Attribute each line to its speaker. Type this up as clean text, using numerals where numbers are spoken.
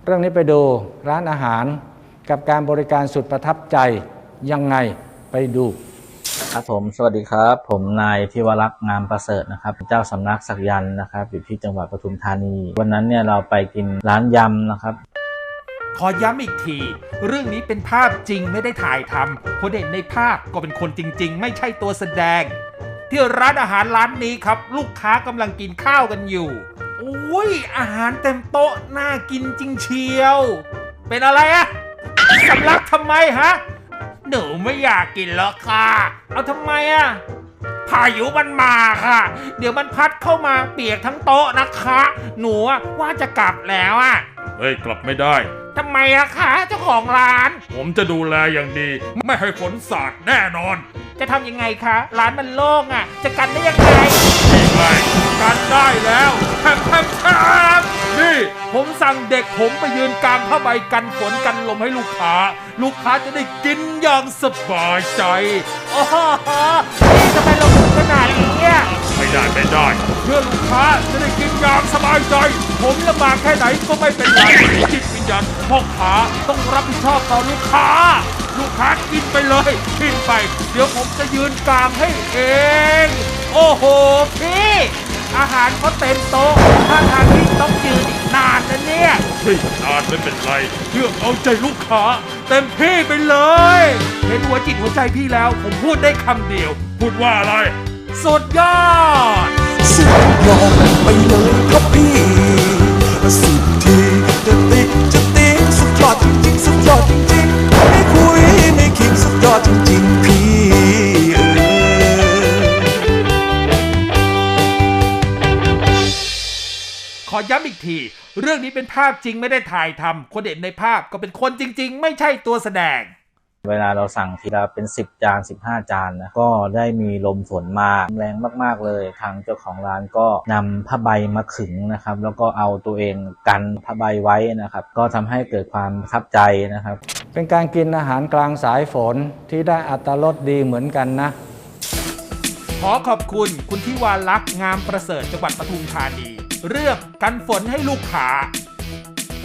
Speaker 1: เรื่องนี้ไปดูร้านอาหารกับการบริการสุดประทับใจยังไงไปดู
Speaker 2: ครับผมสวัสดีครับผมนายธิวรักษ์งามประเสริฐนะครับเจ้าสำนักศักยันต์นะครับอยู่ที่จังหวัดปทุมธานีวันนั้นเนี่ยเราไปกินร้านยำนะครับ
Speaker 3: ขอย้ำอีกทีเรื่องนี้เป็นภาพจริงไม่ได้ถ่ายทำคนเห็นในภาพก็เป็นคนจริงๆไม่ใช่ตัวแสดงที่ร้านอาหารร้านนี้ครับลูกค้ากำลังกินข้าวกันอยู่โอ้ยอาหารเต็มโต๊ะน่ากินจริงเชียวเป็นอะไรอะสำลักทำไมฮะหนูไม่อยากกินแล้วค่ะเอาทำไมอะพายุมันมาค่ะเดี๋ยวมันพัดเข้ามาเปียกทั้งโต๊ะนะคะหนูว่าจะกลับแล้วอะ
Speaker 4: เฮ้ยกลับไม่ได้
Speaker 3: ทำไมอะคะเจ้าของร้าน
Speaker 4: ผมจะดูแลอย่างดีไม่ให้ฝนสาดแน่นอน
Speaker 3: จะทำยังไงคะร้านมันโล่งอะจะกันได้ยังไง
Speaker 4: นี่ไงกันได้แล้วแทมนี่ผมสั่งเด็กผมไปยืนกลางผ้าใบกันฝนกันลมให้ลูกค้าจะได้กินอย่างสบายใจ
Speaker 3: โอ้โหนี่ทำไมเราถึงขนาดนี้
Speaker 4: ไม่ได้เพื่อลูกค้าจะได้กินอย่างสบายใจผมลำบากแค่ไหนก็ไม่เป็นไรจิตวิญญาณพ่อค้าต้องรับผิดชอบต่อลูกค้ากินไปเลยกินไปเดี๋ยวผมจะยืนกลางให้เองโอ้โหพี่อาหารเขาเต็มโต๊ะถ้าทางที่ต้องยืนอีกนานนะเนี่ยเฮ้ยนานไม่เป็นไรเพื่อเอาใจลูกค้าเต็มที่ไปเลยเห็นหัวจิตหัวใจพี่แล้วผมพูดได้คำเดียวพูดว่าอะไรสุดยอด
Speaker 5: ไปเลยครับพี่สุดทีจะติ๊งสุดยอดจริงๆสุดยอดจริงๆไม่คุยไม่คิดสุดยอดจริงๆพี่
Speaker 3: ขอย้ำอีกทีเรื่องนี้เป็นภาพจริงไม่ได้ถ่ายทำคนเห็นในภาพก็เป็นคนจริงๆไม่ใช่ตัวแสดง
Speaker 2: เวลาเราสั่งทีละเป็น10 จาน15 จานนะก็ได้มีลมฝนมาแรงมากๆเลยทางเจ้าของร้านก็นำผ้าใบมาขึงนะครับแล้วก็เอาตัวเองกันผ้าใบไว้นะครับก็ทำให้เกิดความประทับใจนะครับ
Speaker 1: เป็นการกินอาหารกลางสายฝนที่ได้อรรถรสดีเหมือนกันนะ
Speaker 3: ขอขอบคุณธิวาลักษณ์งามประเสริฐจังหวัดปทุมธานีเรื่องกันฝนให้ลูกค้า